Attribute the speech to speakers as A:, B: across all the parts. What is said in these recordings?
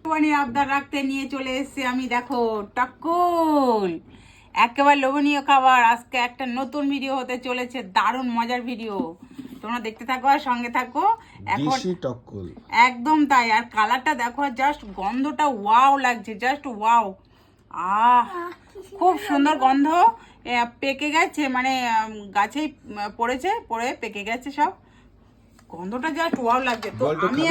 A: আবদার রাখতে নিয়ে চলে এসেছি আমি, দেখো টকল, একেবারে লোভনীয় খাবার। আজকে একটা নতুন ভিডিও হতে চলেছে, দারুণ মজার ভিডিও, তোমরা দেখতে থাকো আর সঙ্গে থাকো। এখন
B: টকল
A: একদম তাই। আর কালারটা দেখো, জাস্ট গন্ধটা ওয়াও লাগছে, জাস্ট ওয়াও। খুব সুন্দর গন্ধ। পেকে গেছে, মানে গাছেই পড়ে পেকে গেছে সব। গন্ধটা জাস্ট ওয়াও লাগছে। তো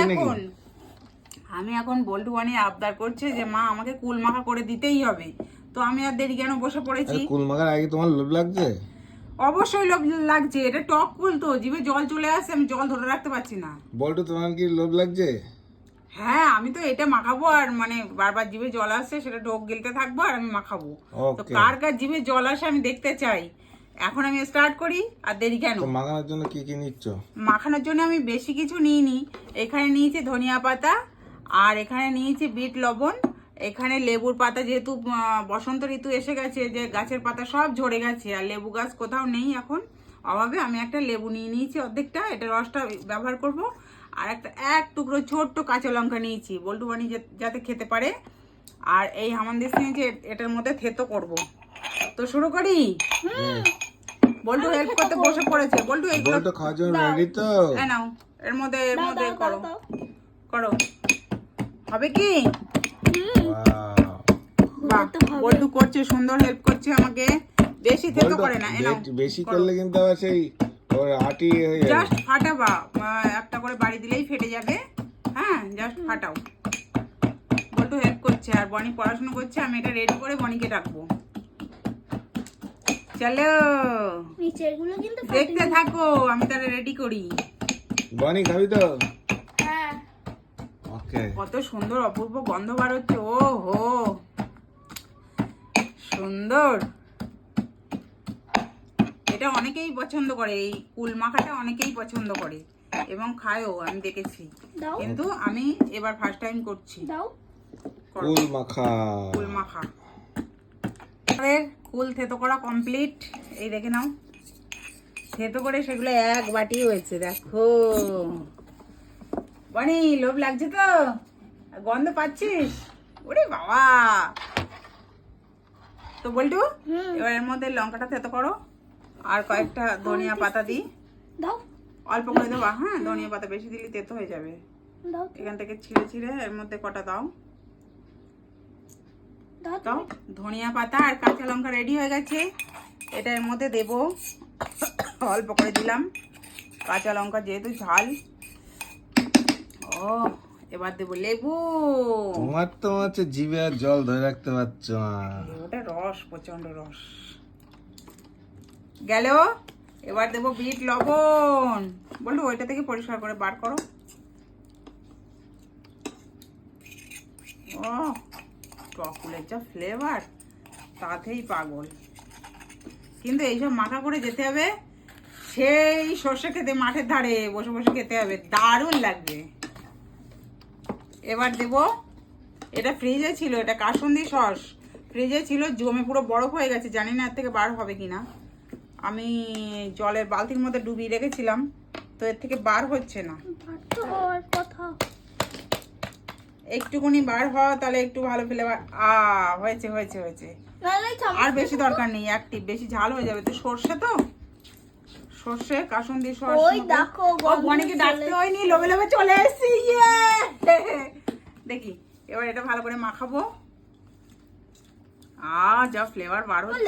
A: আমি এখন বল্টু বানিয়ে আবদার করছে যে মা আমাকে কুল মাখা করে দিতেই হবে। তো আমি আর দেরি কেন, বসে পড়েছি।
B: কুল মাখার আগে তোমার লোভ লাগছে?
A: অবশ্যই লোভ লাগছে, এটা টক কুল তো, জিভে জল চলে আসে, আমি জল ধরে রাখতে পারছি না।
B: বল্টু তোমার কি লোভ লাগছে?
A: হ্যাঁ, আমি তো এটা মাখাবো আর মানে বারবার জিভে জল আসছে, সেটা ঢোক গিলতে থাকবো আর আমি মাখাবো। তো কার কার জিভে জল আসে আমি দেখতে চাই। এখন আমি স্টার্ট করি, আর দেরি কেন।
B: মাখানোর জন্য কি কি নিচ্ছ?
A: মাখানোর জন্য আমি বেশি কিছু নিইনি। এখানে নিয়েছি ধনিয়া পাতা, আর এখানে নিয়েছি বিট লবণ, এখানে লেবুর পাতা, যেহেতু বসন্ত ঋতু এসে গেছে, যে গাছের পাতা সব ঝরে গেছে আর লেবু গাছ কোথাও নেই এখন অভাবে, আমি একটা লেবু নিয়ে নিয়েছি অর্ধেকটা, এটা রসটা ব্যবহার করব। আর এক টুকরো ছোট্ট কাঁচা লঙ্কা নিয়েছি, বল্টু বানি যাতে খেতে পারে। আর এই হামানদিস নিয়েছি, এটার মধ্যে থেতো করব। তো শুরু করি। বল্টু হেল্প করতে বসে পড়েছে। বল্টু এইগুলো
B: খাওয়ার জন্য রেডি তো?
A: হ্যাঁ, নাও, এর মধ্যে করো করো। হবে কি? বল্টু করছে, সুন্দর হেল্প করছে আমাকে, বেশি থেতো করে না।
B: বেশি করলে কিন্তু আবার সেই আটি হয়ে যাবে।
A: জাস্ট ফাটাবা, একটা করে বাড়ি দিলেই ফেটে যাবে। হ্যাঁ, জাস্ট ফাটাও। বল্টু হেল্প করছে, আর বনি পড়াশোনা করছে। আমি এটা রেডি করে বনিকে ডাকবো। চলো দেখতে থাকো, আমি তাহলে রেডি করি।
B: বনি খাবি তো?
C: হ্যাঁ।
B: ওকে।
A: কত সুন্দর অপূর্ব গন্ধ বার হচ্ছে। ও হো, সুন্দর। এটা অনেকেই পছন্দ করে, এই কুল মাখাটা অনেকেই পছন্দ করে এবং খায়ও, আমি দেখেছি। কিন্তু আমি এবার ফার্স্ট টাইম করছি।
B: কুল মাখা।
A: আমাদের কুল থেতো করা কমপ্লিট। এই দেখে নাও, থেতো করে সেগুলো এক বাটি হয়েছে। দেখো বনি, লোভ লাগছে তো? গন্ধ পাচ্ছিস? ওরে বাবা। তো বল্টু, এবার এর মধ্যে লঙ্কাটা থেতো করো, আর কয়েকটা ধনিয়া পাতা দিই। অল্প করে দেবো। হ্যাঁ, ধনিয়া পাতা বেশি দিলে তেতো হয়ে যাবে। এখান থেকে ছিঁড়ে এর মধ্যে কটা দাও। দাও ধনিয়া পাতা আর কাঁচা লঙ্কা রেডি হয়ে গেছে। এটা এর মধ্যে দেব, অল্প করে দিলাম। কাঁচা লঙ্কা যেহেতু ঝাল। ও, এবার দেবো লেবু।
B: তোমার তো হচ্ছে জিভে আর জল ধরে রাখতে পারছো না।
A: লেবুটা রস, প্রচন্ড রস গেল। এবার দেবো বিট লবণ। বললো ওইটা থেকে পরিষ্কার করে বার করো। ও, চকলেট যা ফ্লেভার, তাতেই পাগল। কিন্তু এইসব মাখা করে যেতে হবে সেই সর্ষে খেতে, মাঠের ধারে বসে বসে খেতে হবে, দারুণ লাগবে। এবার দেব, এটা ফ্রিজে ছিল, এটা কাসুন্দি সস ফ্রিজে ছিল, জমে পুরো বরফ হয়ে গেছে, জানি না এর থেকে বার হবে কিনা। আমি জলের বালতির মধ্যে ডুবিয়ে রেখেছিলাম, তো এর থেকে বার হচ্ছে না। একটুকুনি বার হওয়া, তাহলে একটু ভালো ফ্লেভার। হয়েছে হয়েছে হয়েছে। আর বেশি দরকার নেই, একটি বেশি ঝাল হয়ে যাবে তো। সর্ষে তো, সর্ষে কাসুন্দি সস। অনেকে ডাকতে হয়নি, লোভে লোভে চলে এসেছি। দেখি এবার এটা ভালো করে মাখাবো। যা ফ্লেভার বার হচ্ছে।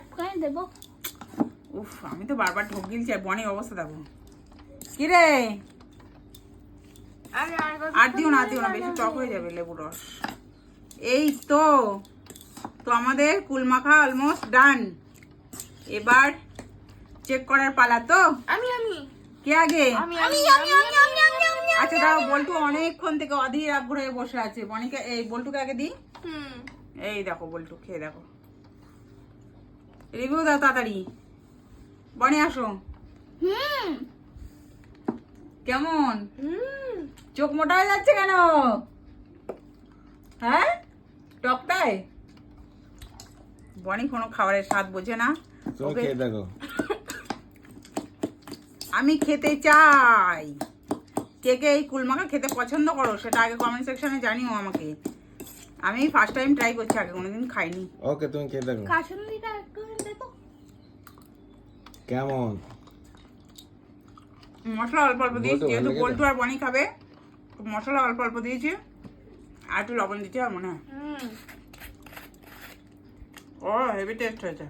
A: উফ, আমি তো বারবার ঢোক গিলছি, আর বনির অবস্থা দেখো। কি রে, আর দিও না, বেশি টক হয়ে যাবে লেবু রস। এই তো আমাদের কুল মাখা অলমোস্ট ডান। এবার চেক করার পালা। তো কে আগে? আচ্ছা দাও, বল্টু অনেকক্ষণ থেকে অধীর আগ্রহে বসে আছে। বনিকে, এই বল্টুকে আগে দিই। এই দেখো বল্টু, খেয়ে দেখো, রিভিউ দাও তাড়াতাড়ি। বনি আসো। কেমন? চোখ মোটা হয়ে যাচ্ছে কেন? হ্যাঁ, টকটাই। বনি কোনো খাবারের স্বাদ বোঝে না।
B: দেখো,
A: আমি খেতে চাই। কে কে এই কুলমাখা খেতে পছন্দ করো সেটা আগে কমেন্ট সেকশনে জানিও আমাকে। আমি ফার্স্ট টাইম ট্রাই করছি, আগে কোনোদিন খাইনি।
B: ওকে, তুমি খেয়ে দেখো
C: কাসুন্দিটা একটু দেখো।
B: কেমন।
A: মশলা অল্প অল্প দিয়েছি,
B: বলতো
A: যেহেতু
B: ভালো
A: বল্টু আর বনি খাবে তো মশলা অল্প অল্প দিয়েছি, আর একটু লবণ দিতে হবে মনে হয়। ও হেভি টেস্ট হয়েছে।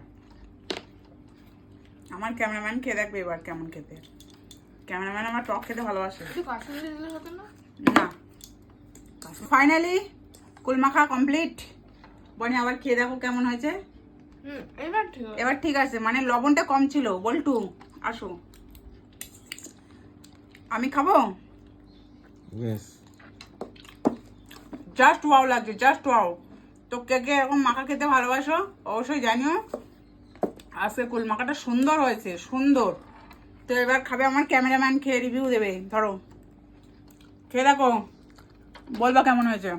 A: আমার ক্যামেরাম্যান খেয়ে দেখবে এবার কেমন খেতে। ক্যামেরাম্যান আমার টক খেতে ভালোবাসে।
C: একটু কাসুন্দি দিলে হতো না?
A: না, ফাইনালি কুলমাখা কমপ্লিট। বনি আবার খেয়ে দেখো কেমন হয়েছে।
C: এবার ঠিক আছে।
A: এবার ঠিক আছে, মানে লবণটা কম ছিল। বল্টু আসো, আমি খাবো।
B: বেশ।
A: জাস্ট ওয়াও লাগছে, জাস্ট ওয়াও। তো কে কে এরকম মাখা খেতে ভালোবাসো অবশ্যই জানিও। আজকে কুল মাখাটা সুন্দর হয়েছে, সুন্দর। তো এবার খাবে আমার ক্যামেরাম্যান, খেয়ে রিভিউ দেবে। ধরো খেয়ে দেখো, বলবা কেমন হয়েছে।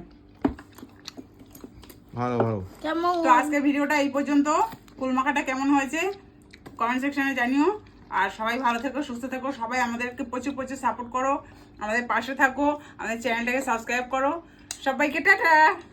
B: ভালো ভালো।
C: কেমন?
A: তো আজকে ভিডিওটা এই পর্যন্ত। কুল মাখাটা কেমন হয়েছে কমেন্ট সেকশনে জানিও। আর সবাই ভালো থেকো, সুস্থ থেকো। সবাই আমাদেরকে প্রচুর প্রচুর সাপোর্ট করো, আমাদের পাশে থাকো, আমাদের চ্যানেলটাকে সাবস্ক্রাইব করো। সবাইকে টাটা।